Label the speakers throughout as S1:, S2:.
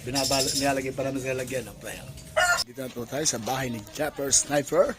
S1: nilalagay pa namin sa lalagyan. Dito na po tayo sa bahay ni Japper Sniper.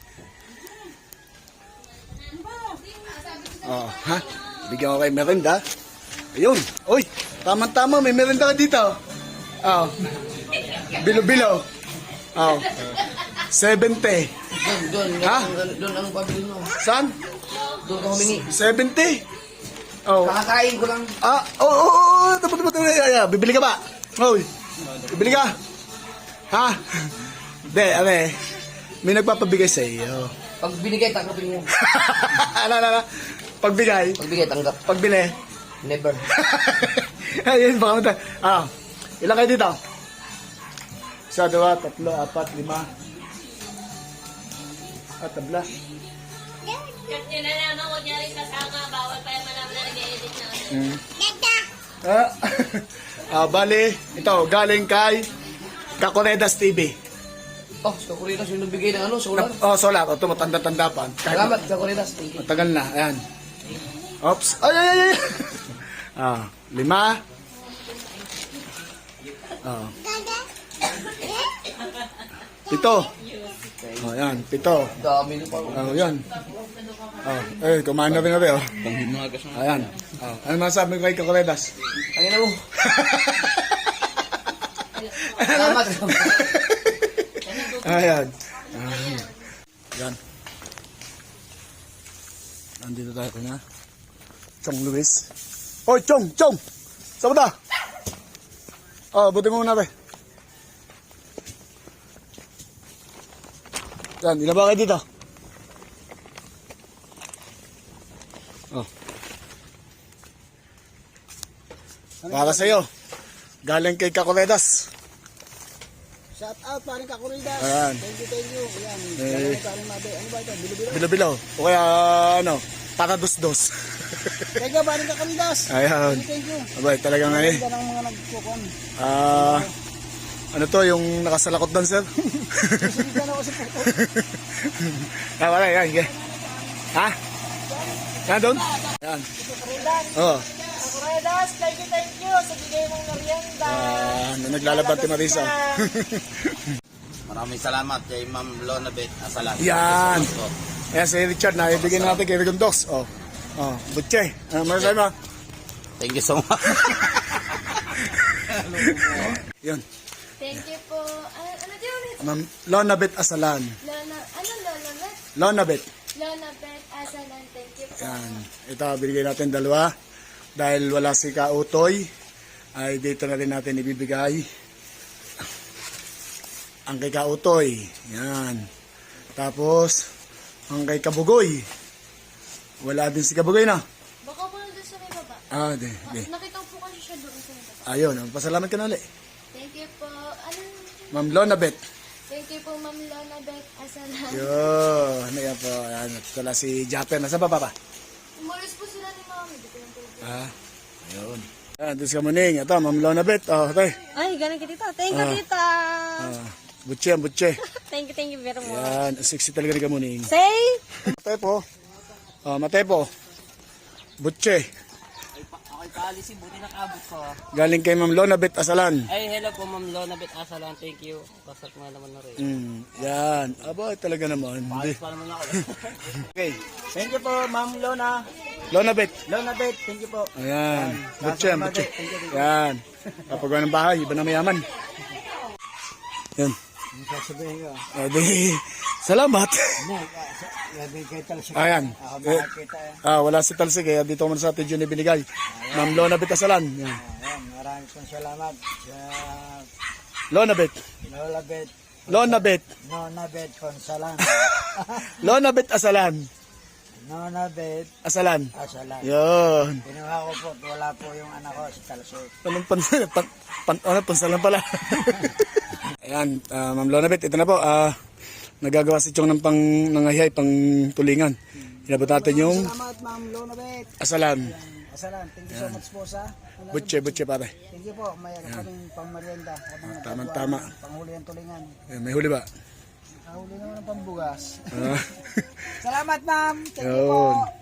S1: Oh, ha? Bigyan ko kayo merinda. Ayun. Uy, tama-tama, may merinda ka dito. Oh. Bilo-bilo. Oh. 70. Ha?
S2: Doon ang pabili mo.
S1: Saan?
S2: Doon ka humingi.
S1: 70. Oh.
S2: Kakakain ko lang.
S1: Tapos. Bibili ka ba? Hoy. Bibili ka? Ha? Hindi, may nagpapabigay sa iyo.
S2: Pag binigay, tanggapin mo.
S1: Ano? Pagbigay?
S2: Pagbigay, tanggap.
S1: Pagbili?
S2: Never.
S1: Ayun, baka mata. Ilan kayo dito? 1, 2, 3, 4, 5. Tabla.
S3: Cut nyo na naman, huwag niya rin kasama. Bawal pa yung malaman na nag-edit na.
S1: Bali, ito, galing kay Kakoredas TV.
S2: Oh, sa Kuritas yung nagbigay ng solar.
S1: Solar. Ito, matanda-tanda pa.
S2: Salamat sa Kuritas.
S1: Matagal na, ayan. Oops. Ay. 5. Pito. Ayan, 7.
S2: Dami na pa.
S1: Yan. Kumain na rin natin, Ayan. Ano masasabi ko kay Kakoredas?
S2: Ang ina mo. Salamat.
S1: Ayan. Yan. Nandito tayo kanya. Chong Luis. Oy, Chong! Saan ba? Buti mo muna, Yan, ilan ba kayo dito? Para sa'yo. Galing kay Kakoredas.
S2: Shout out, paring Kakuridas.
S1: Ayan.
S2: Thank you. Ayan. Paring Mabe. Ano ba ito? Bilo-bilo?
S1: Bilo-bilo. O kaya, para dos-dos.
S2: Thank you, paring Kakuridas.
S1: Ayan.
S2: Thank you.
S1: Abay, talagang
S2: Ganda ng mga nagkukon.
S1: Ano to, yung nakasalakot doon, sir?
S2: Susunod na ako sa puto.
S1: Wala, yan. Ha? Yan doon? Yan. Oo.
S3: Kakuridas, thank you. Sa bigay mong merienda.
S1: Naglalaban ti Marisa.
S4: Maraming salamat kay Ma'am Lonabet Asalan.
S1: Yan. Ayan si Richard na ibigay natin kay Rigondox. Butche. Maraming mo.
S4: Thank you so much.
S1: Yan.
S3: Thank you po. Ano di ulit?
S1: Ma'am Lonabet Asalan.
S3: Lonabet?
S1: Lonabet.
S3: Lonabet Asalan. Thank you po.
S1: Yan. Ito, binigay natin 2. Dahil wala si Kautoy, ay dito na rin natin ibibigay ang kay Kautoy. Yan. Tapos, ang kay Kabugoy. Wala din si Kabugoy na.
S3: Baka po nandun sa may baba.
S1: Di.
S3: Nakita ko po kasi siya doon sa may baba.
S1: Ayun, pasalamat ka na ulit.
S3: Thank you po.
S1: Ma'am Lonabet.
S3: Thank you po, Ma'am Lonabet Asalan.
S1: Yun. Ayan po. Ayan. Wala si Japper. Nasa baba pa?
S3: Umalis po sila ni Mami. Di ko lang po.
S1: Ayun. Ayan, doon si Kamuning. Ito, Ma'am Lonabet. Tay.
S3: Ay, galing ka dito. Thank you, tita.
S1: Butche.
S3: Thank you very much.
S1: Ayan, sexy talaga ni Kamuning.
S3: Say?
S1: Matepo. Butche.
S5: Ako'y paalisin, buti nakabot ko.
S1: Galing kay Ma'am Lonabet Asalan.
S5: Ay, hello po Ma'am Lonabet Asalan, thank you. Kasat nga naman na rin.
S1: Yan. Talaga naman.
S5: Paalis pa naman ako.
S1: Okay.
S2: Thank you po, Ma'am
S1: Lonabet.
S2: Lonabet, thank you po.
S1: Ayan. Butche. Yan. Kapag ng bahay, iba na mayaman. Yan. Salamat. Ayan. Wala si Talsig. Dito ko sa atin yun ibinigay. Ma'am Lonabet Asalan. Yan.
S2: Maraming salamat sa
S1: Lonabet.
S2: Lonabet Consalan.
S1: Lonabet Asalan.
S2: Lonabet
S1: Asalan.
S2: Asalan.
S1: Yun.
S2: Kinuha ko po, wala po yung anak ko si Talsik.
S1: Anong pansalan pala. Ayan, Ma'am Lonabet, ito na po. Nagagawa si Chong ng nangahihay, pang tulingan. Inabot natin yung
S2: Salamat, Ma'am Lonabet.
S1: Asalan.
S2: Asalan, thank you so much po sa
S1: Butche pare.
S2: Thank you po, may kaming pangmerienda.
S1: Tama.
S2: Panghuli ang tulingan.
S1: May huli ba?
S2: Nahuli naman ang pambugas.
S1: Ah.
S2: Salamat, ma'am. Thank you
S1: Yun.
S2: po.